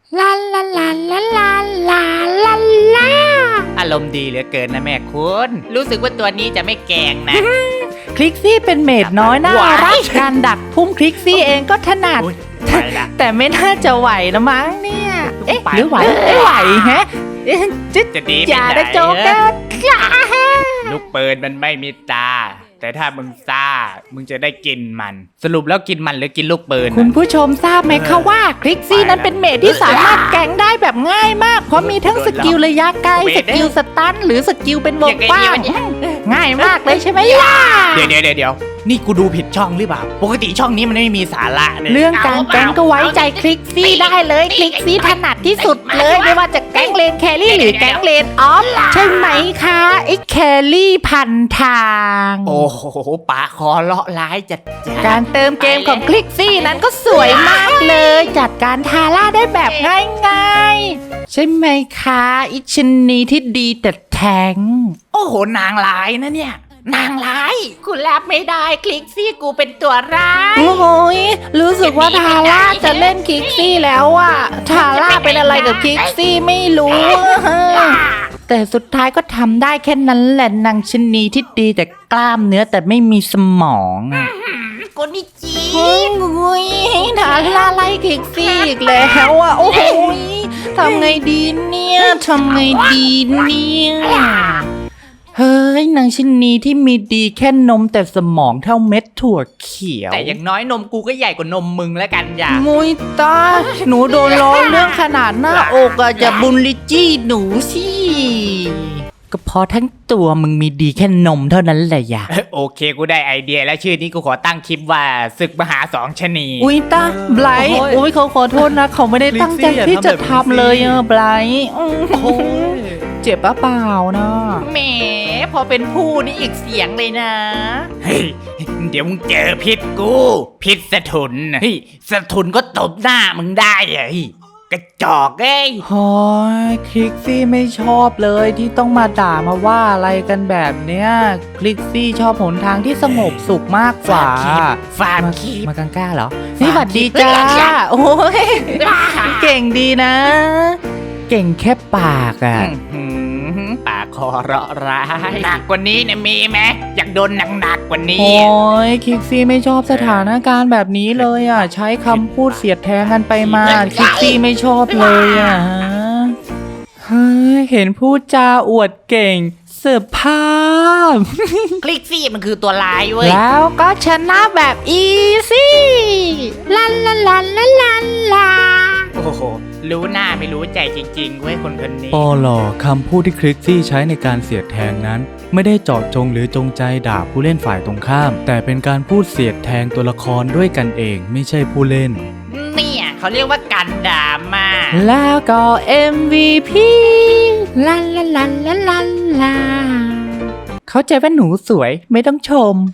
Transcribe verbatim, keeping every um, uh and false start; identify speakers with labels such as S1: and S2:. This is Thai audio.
S1: ลาลาลาลาลาลาลาลา
S2: อารมณ์ดีเหลือเกินนะแม่คุณรู้สึกว่าตัวนี้จะไม่แกงนะ
S1: คลิกซี่เป็นเมดน้อยน่ารักการดักพุ่มคลิกซี่เองก็ถนัด
S2: อุ๊ยไปละ
S1: แต่ไม่น่าจะไหวนะมั้งเนี่ยเอ๊ะ
S2: ไป
S1: หรือไหวไม่ไหวแฮะเอ๊ะจิ๊ด
S2: จะดี
S1: อย่า
S2: ไปไหน
S1: ได้โจ๊กเกอร์
S2: ลูกปืนมันไม่มีตา แต่ถ้ามึงซ่ามึงจะได้กินมัน สรุปแล้วกินมันหรือกินลูกปืน
S1: คุณผู้ชมทราบไหมคะว่าคลิกซี่นั้นเป็นเมดที่สามารถแกงได้แบบง่ายมาก เพราะมีทั้งสกิลระยะไกลสกิลสตันหรือสกิลเป็นวงกว้างง่ายมากเลยใช่ไหมล่ะ
S2: เดี๋ยวเดี๋ยวเดี๋ยวเดี๋ยวนี่กูดูผิดช่องหรือเปล่า ปกติช่องนี้มันไม่มีสาระเลย
S1: เรื่องการแกงก็ไว้ใจคลิกซี่ได้เลยคลิกซี่ถนัดที่สุดเลยไม่ว่าจะแกงเลนแครี่หรือแกงเลนออฟใช่ไหมคะไอ้แครี่พันทาง
S2: โอ้โหปากคอเลาะร้ายจัดจ้า
S1: การเติมเกมของคลิกซี่นั้นก็สวยมากเลย จัดการทาร่าได้แบบง่ายๆ ใช่ไหมคะอิชนีที่ดีแต่แทง
S2: โอ้โหนางร้ายนะเนี่ย นางร้าย
S1: กูรับไม่ได้คลิกซี่กูเป็นตัวร้ายโอ้โหยรู้สึกว่าทาร่าจะเล่นคลิกซี่แล้วอะทาร่าเป็นอะไรกับคลิกซี่ไม่รู้ แต่สุดท้ายก็ทำได้แค่นั้นแหละนางชะนีที่ดีแต่กล้ามเนื้อแต่ไม่มีสมองอะ
S2: โกนิจิ
S1: เฮ้ยงุยทาร่าไล่คลิกซี่อีกแล้วอะโอ้โหยทำไงดีเนี่ยทำไงดีเนี่ยเฮ้ยนางชะนีที่มีดีแค่นมแต่สมองเท่าเม็ดถั่วเขียว
S2: แต่อย่างน้อยนมกูก็ใหญ่กว่านมมึงแล้วกันอย่า
S1: มุยตา หนูโดนล้อเรื่องขนาดหน้าอกอะจะบุลลิจี้หนูสิก็เพราะทั้งตัวมึงมีดีแค่นมเท่านั้นแหละอย่า
S2: โอเคกูได้ไอเดียแล้วชื่อนี้กูขอตั้งคลิปว่าศึกมหาสองชะนี
S1: อุ้ยตาไบรท์โอ้ยเขาขอโทษนะ เขาไม่ได้ตั้งใจที่จะทำเลยอะไบรท์อื้อหือเจ็บปะเปล่านะ
S2: แหมพอเป็นผู้นี่อีกเสียงเลยนะ เฮ้ย เดี๋ยวมึงเจอพิษกู พิษสะทุนน่ะเฮ้ยสะทุนก็ตบหน้ามึงได้อะเฮ้ยกระจอกเอ้ย
S1: โอ้ยคลิกซี่ไม่ชอบเลยที่ต้องมาด่ามาว่าอะไรกันแบบเนี้ยคลิกซี่ชอบหนทางที่สงบสุขมากกว่า
S2: ฟาร์ม
S1: มา
S2: คีบ
S1: มากังก้าเหรอ นี่หวัดดีจ้า โอ้ย เก่งดีนะ เก่งแค่ปากอ่ะ
S2: อื้อหือปากคอเราะร้ายหนักกว่านี้เนี่ยมีไหมอยากโดนหนักๆกว่านี้
S1: โอ้ยคิกซี่ไม่ชอบสถานการณ์แบบนี้เลยอ่ะ ใช้คำพูดเสียดแทงกันไปมาคิกซี่ไม่ชอบเลยอ่ะเฮ้ยเห็นพูดจาอวดเก่งเสิร์ฟภาพ
S2: คลิกซี่มันคือตัวร้ายเว้ย
S1: แล้วก็ชนะแบบอีซี่ลาลาลาลาลาลา
S2: โอ้โห รู้หน้าไม่รู้ใจจริงๆเว้ยคนคนนี้
S3: ปอลอคำพูดที่คลิกซี่ใช้ในการเสียดแทงนั้น ไม่ได้เจาะจงหรือจงใจด่าผู้เล่นฝ่ายตรงข้าม แต่เป็นการพูดเสียดแทงตัวละครด้วยกันเองไม่ใช่ผู้เล่น
S2: เนี่ยเขาเรียกว่ากันดราม่า
S1: แล้วก็ เอ็ม วี พี ลาลาลาลาลาลาเข้าใจว่าหนูสวยไม่ต้องชม